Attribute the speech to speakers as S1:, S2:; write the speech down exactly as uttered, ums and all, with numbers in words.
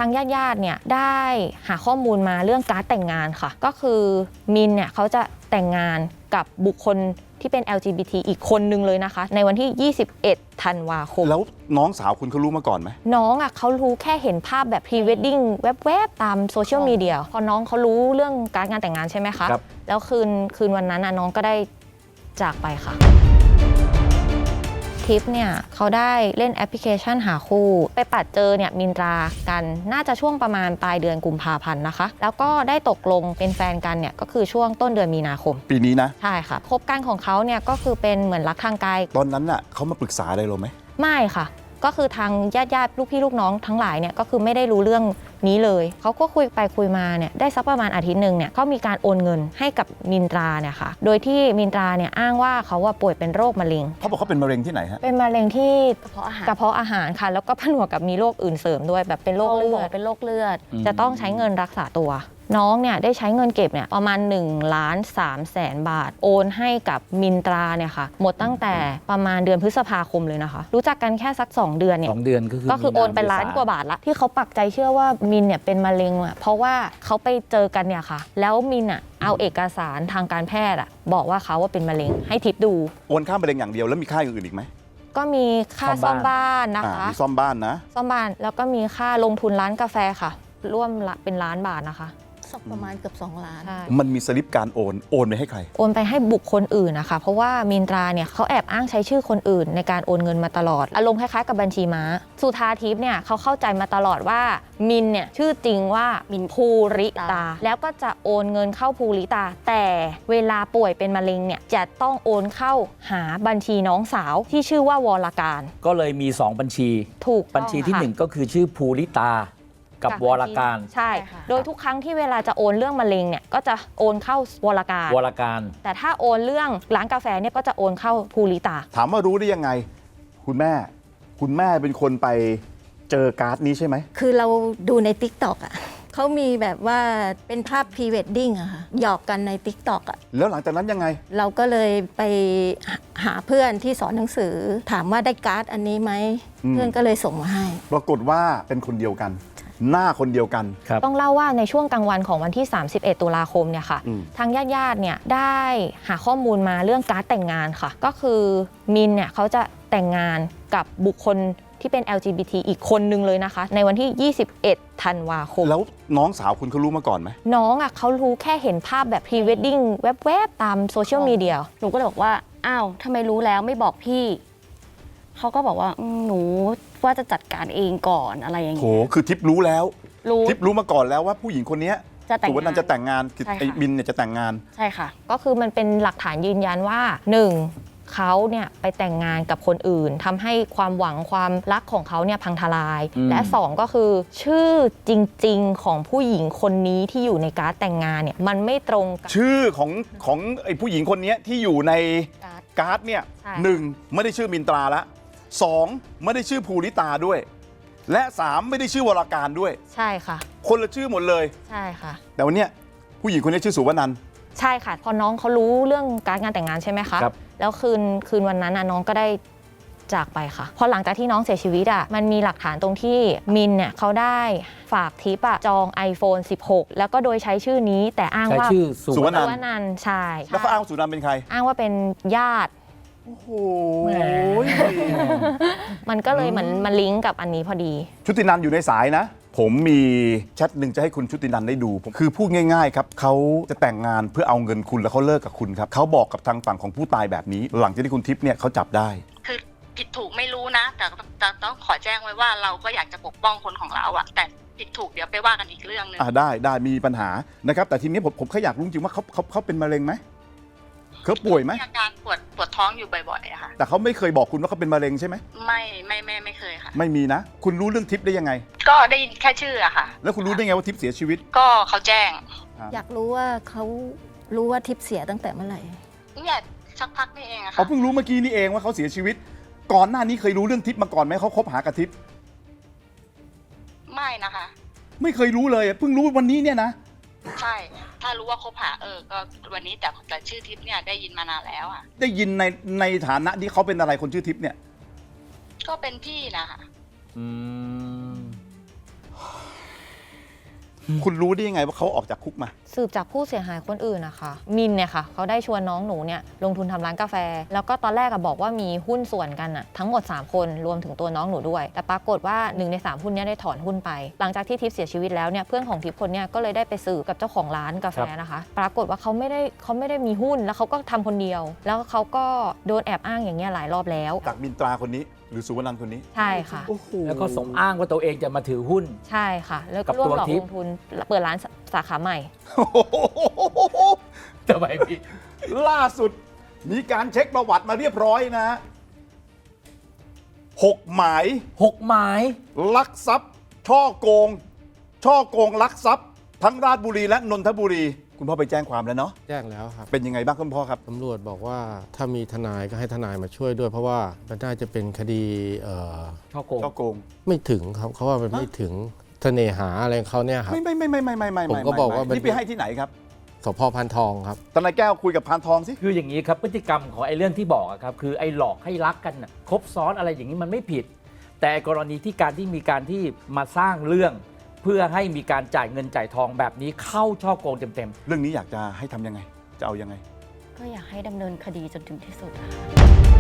S1: างญาติๆเนี่ยได้หาข้อมูลมาเรื่องการ์ดแต่งงานค่ะก็คือมินเนี่ยเขาจะแต่งงานกับบุคคลที่เป็น แอล จี บี ที อีกคนนึงเลยนะคะในวันที่ยี่สิบเอ็ดธันวาคม
S2: แล้วน้องสาวคุณเขารู้มาก่อนไหม
S1: น้องอ่ะเขารู้แค่เห็นภาพแบบพรีเวดดิ้งแวบๆตามโซเชียลมีเดียพอน้องเขารู้เรื่องการงานแต่งงานใช่ไหมคะแล้วคืนคืนวันนั้นน้องก็ได้จากไปค่ะทิปเนี่ยเขาได้เล่นแอปพลิเคชันหาคู่ไปปัดเจอเนี่ยมินตรากันน่าจะช่วงประมาณปลายเดือนกุมภาพันธ์นะคะแล้วก็ได้ตกลงเป็นแฟนกันเนี่ยก็คือช่วงต้นเดือนมีนาคม
S2: ปีนี้นะ
S1: ใช่ค่ะคบกันของเขาเนี่ยก็คือเป็นเหมือนรักทางไกล
S2: ตอนนั้นน่ะเขามาปรึกษาอะไรเราไหม
S1: ไม่ค่ะก็คือทางญาติญาติลูกพี่ลูกน้องทั้งหลายเนี่ยก็คือไม่ได้รู้เรื่องนี้เลยเขาก็คุยไปคุยมาเนี่ยได้สักประมาณอาทิตย์หนึ่งเนี่ยเขามีการโอนเงินให้กับมินตราเนี่ยค่ะโดยที่มินตราเนี่ยอ้างว่าเขาว่าป่วยเป็นโรคมะเร็ง
S2: เขาบอกเขาเป็นมะเร็งที่ไหนฮะ
S1: เป็นมะเร็งที่
S3: กระเพาะอาหาร
S1: กระเพาะอาหารค่ะแล้วก็ผนวกกับมีโรคอื่นเสริมด้วยแบบเป็นโรคเลือด
S3: เป็นโรคเลือด
S1: จะต้องใช้เงินรักษาตัวน้องเนี่ยได้ใช้เงินเก็บเนี่ยประมาณหนึ่งล้านสามแสนบาทโอนให้กับมินตราเนี่ยค่ะหมดตั้งแต่ประมาณเดือนพฤษภาคมเลยนะคะรู้จักกันแค่สักสองเดือนเนี่ย
S4: สองเดือนก็คือ
S1: ก็คือโอนไปล้านกว่าบาทละที่เขาปักใจเชื่อว่ามินเนี่ยเป็นมะเร็งอ่ะเพราะว่าเขาไปเจอกันเนี่ยค่ะแล้วมินอ่ะเอาเอกสารทางการแพทย์อ่ะบอกว่าเขาว่าเป็นมะเร็งให้ทิปดู
S2: โอนค่ามะเร็งอย่างเดียวแล้วมีค่าอื่นอีกไหม
S1: ก็มีค่าซ่อมบ้านนะคะ
S2: มีซ่อมบ้านนะ
S1: ซ่อมบ้านแล้วก็มีค่าลงทุนร้านกาแฟค่ะร่วมเป็นล้านบาทนะคะ
S3: ประมาณเกือบสองล้าน
S2: มันมีสลิปการโอนโอนไปให้ใคร
S1: โอนไปให้บุคคลอื่นนะคะเพราะว่ามินตราเนี่ยเขาแอบอ้างใช้ชื่อคนอื่นในการโอนเงินมาตลอดอารมณ์คล้ายๆกับบัญชีม้าสุธาทิพย์เนี่ยเขาเข้าใจมาตลอดว่ามินเนี่ยชื่อจริงว่ามินภูริตาแล้วก็จะโอนเงินเข้าภูริตาแต่เวลาป่วยเป็นมะเร็งเนี่ยจะต้องโอนเข้าหาบัญชีน้องสาวที่ชื่อว่าวรการ
S4: ก็เลยมีสองบัญชี
S1: ถูก
S4: บัญชีที่หนึ่งก็คือชื่อภูริตากับวรการ
S1: ใช่โดยทุกครั้งที่เวลาจะโอนเรื่องมะเร็งเนี่ยก็จะโอนเข้าวรการ
S4: วรการ
S1: แต่ถ้าโอนเรื่องร้านกาแฟเนี่ยก็จะโอนเข้าภูริตา
S2: ถามว่ารู้ได้ยังไงคุณแม่คุณแม่เป็นคนไปเจอการ์ดนี้ใช่ไหม
S3: คือเราดูใน ติ๊กต็อก อ่ะเขามีแบบว่าเป็นภาพพรีเวดดิ้งอะค่ะหยอกกันใน ติ๊กต็อก อ่ะ
S2: แล้วหลังจากนั้นยังไง
S3: เราก็เลยไปหาเพื่อนที่สอนหนังสือถามว่าได้การ์ดอันนี้ไหมเพื่อนก็เลยส่งมาให้
S2: ปรากฏว่าเป็นคนเดียวกันหน้าคนเดียวกัน
S1: ต้องเล่าว่าในช่วงกลางวันของวันที่สามสิบเอ็ดตุลาคมเนี่ยค่ะทางญาติๆเนี่ยได้หาข้อมูลมาเรื่องการ์ดแต่งงานค่ะก็คือมินเนี่ยเขาจะแต่งงานกับบุคคลที่เป็น แอล จี บี ที อีกคนนึงเลยนะคะในวันที่ยี่สิบเอ็ดธันวาคม
S2: แล้วน้องสาวคุณเขารู้มาก่อนไหม
S1: น้องอ่ะเขารู้แค่เห็นภาพแบบพรีเวดดิ้งแวบๆตามโซเชียลมีเดีย
S5: หนูก็เลยบอกว่าอ้าวทำไมรู้แล้วไม่บอกพี่เขาก็บอกว่าหนูว่าจะจัดการเองก่อนอะไรอย่างเงี้ย
S2: โหคือทิปรู้แล้ว
S5: รู้
S2: ทิปรู้มาก่อนแล้วว่าผู้หญิงคนนี้สุวรรณันจะแต่งงานไอ้บินเนี่ยจะแต่งงาน
S5: ใช่ค่ะ
S1: ก็คือมันเป็นหลักฐานยืนยันว่าหนึ่งเขาเนี่ยไปแต่งงานกับคนอื่นทำให้ความหวังความรักของเขาเนี่ยพังทลายและสองก็คือชื่อจริงๆของผู้หญิงคนนี้ที่อยู่ในการ์ดแต่งงานเนี่ยมันไม่ตรงกับ
S2: ชื่อของของไอ้ผู้หญิงคนนี้ที่อยู่ในการ์ดเนี่ยหนึ่งไม่ได้ชื่อมินตราละสองไม่ได้ชื่อภูริตาด้วยและสามไม่ได้ชื่อวรการด้วย
S1: ใช่ค่ะ
S2: คนละชื่อหมดเลย
S1: ใช่ค่ะ
S2: แต่วันเนี้ยผู้หญิงคนนี้ชื่อสุวรรณันท์
S1: ใช่ค่ะพอน้องเขารู้เรื่องการงานแต่งงานใช่ไหมคะแล้วคืนคืนวันนั้นน้องก็ได้จากไปค่ะพอหลังจากที่น้องเสียชีวิตอ่ะมันมีหลักฐานตรงที่มินเนี่ยเขาได้ฝากทิปอะจอง ไอโฟนสิบหก แล้วก็โดยใช้ชื่อนี้แต่อ้างว่า
S4: ชื่อ
S2: สุวรรณ
S1: ันท์ใช่
S2: แล้วเขาอ้างสุวรรณันท์เป็นใคร
S1: อ้างว่าเป็นญาติ
S2: โอ้โห
S1: มันก็เลยเหมือนมาลิงก์กับอันนี้พอดี
S2: ชุตินันท์อยู่ในสายนะผมมีแชทหนึ่งจะให้คุณชุตินันท์ได้ดูคือพูดง่ายๆครับเขาจะแต่งงานเพื่อเอาเงินคุณแล้วเขาเลิกกับคุณครับเขาบอกกับทางฝั่งของผู้ตายแบบนี้หลังจากที่คุณทิพย์เนี่ยเขาจับได้
S6: คือผิดถูกไม่รู้นะแต่ต้องขอแจ้งไว้ว่าเราก็อยากจะปกป้องคนของเราอะแต่ผิดถูกเดี๋ยวไปว่ากันอีกเรื่องนึง
S2: อ่าได้ได้มีปัญหานะครับแต่ทีนี้ผมผมแค่อยากรู้จริงว่าเขาเขาเขาเป็นมะเร็งไหมเขาป่วยไหม
S6: มีอาการปวดปวดท้องอยู่บ่อยๆอะค่ะ
S2: แต่เขาไม่เคยบอกคุณว่าเขาเป็นมะเร็งใช่ไหม
S6: ไม่ไม่ไม่ไม่เคยค่ะ
S2: ไม่มีนะคุณรู้เรื่องทิพย์ได้ยังไง
S6: ก็ได้ยินแค่ชื่ออะค่ะ
S2: แล้วคุณรู้ได้ไงว่าทิพย์เสียชีวิต
S6: ก็เขาแจ้ง
S3: อยากรู้ว่าเขารู้ว่าทิพย์เสียตั้งแต่เมื่อไหร่
S6: เนี่ยสักพักนี่เองอะค่ะ
S2: เขาเพิ่งรู้เมื่อกี้นี่เองว่าเขาเสียชีวิตก่อนหน้านี้เคยรู้เรื่องทิพย์มาก่อนไหมเขาคบหากับทิพย์
S6: ไม่นะคะ
S2: ไม่เคยรู้เลยเพิ่งรู้วันนี้เนี่ยนะ
S6: ใช่ถ้ารู้ว่าคบหาเออก็วันนี้แต่แต่ชื่อทิพย์เนี่ยได้ยินมานานแล้วอ่ะ
S2: ได้ยินในในฐานะที่เขาเป็นอะไรคนชื่อทิพย์เนี่ย
S6: ก็เป็นพี่นะคะ
S4: อืม
S2: คุณรู้ได้ยังไงว่าเขาออกจากคุกมา
S1: สืบจากผู้เสียหายคนอื่นนะคะมินเนี่ยค่ะเขาได้ชวนน้องหนูเนี่ยลงทุนทำร้านกาแฟ แล้วก็ตอนแรกอะบอกว่ามีหุ้นส่วนกันอะทั้งหมด สาม คนรวมถึงตัวน้องหนูด้วย แต่ปรากฏว่าหนึ่งในสามหุ้นเนี้ได้ถอนหุ้นไป หลังจากที่ทิพย์เสียชีวิตแล้วเนี่ยเพื่อนของทิพย์คนเนี้ยก็เลยได้ไปสืบกับเจ้าของร้านกาแฟนะคะ ปรากฏว่าเขาไม่ได้เขาไม่ได้มีหุ้นแล้วเขาก็ทำคนเดียว แล้วเขาก็โดนแอบอ้างอย่างเงี้ยหลายรอบแล้ว
S2: จากมินตราคนนี้หรือสุวรรณคนนี้
S1: ใช่ค่ะ
S2: โอ้โห
S4: แล้วก็สมอ้างว่าตัวเองจะมาถือหุ้น
S1: ใช่ค่ะ แล้ว
S4: กั
S1: ก็
S4: บ
S1: ร่วม
S4: ตัว
S1: หลอก
S4: ทิ
S1: ล
S4: พย์
S1: งทุนเปิดร้านสาขาใหม่
S4: ทำไมพี่
S2: ล่าสุดมีการเช็คประวัติมาเรียบร้อยนะหกหมาย
S4: หกหมาย
S2: ลักทรัพย์ ช่อโกง ช่อโกงลักทรัพย์ ทั้งราชบุรีและนนทบุรี คุณพ่อไปแจ้งความแล้วเนาะ
S7: แจ้งแล้วครับ
S2: เป็นยังไงบ้างคุณพ่อครับ
S7: ตำรวจบอกว่าถ้ามีทนายก็ให้ทนายมาช่วยด้วย เพราะว่ามันน่าจะเป็นคดีเอ่อ
S4: ช่อโกง
S2: ช่อโกง
S7: ไม่ถึงครับเขาว่ามันไม่ถึงเสน่หาอะไรของเขาเนี่ยครับ
S2: ไม่ไม่ไม่ไม่ไม่ไม่ไม่
S7: ผมก็บอกว่ามัน
S2: นี่ไปให้ที่ไหนครับ
S7: สพพันทองครับ
S2: ทนายแก้วคุยกับพานทองสิ
S4: คืออย่างนี้ครับพฤติกรรมของไอ้เรื่องที่บอกอะครับคือไอ้หลอกให้รักกันน่ะครบซ้อนอะไรอย่างนี้มันไม่ผิด แต่กรณีที่การที่มีการที่มาสร้างเรื่อง เพื่อให้มีการจ่ายเงินจ่ายทองแบบนี้เข้าช่อโกงเต็มๆ
S2: เรื่องนี้อยากจะให้ทำยังไง จะเอายังไง
S5: ก็อยากให้ดำเนินคดีจนถึงที่สุดอะค่ะ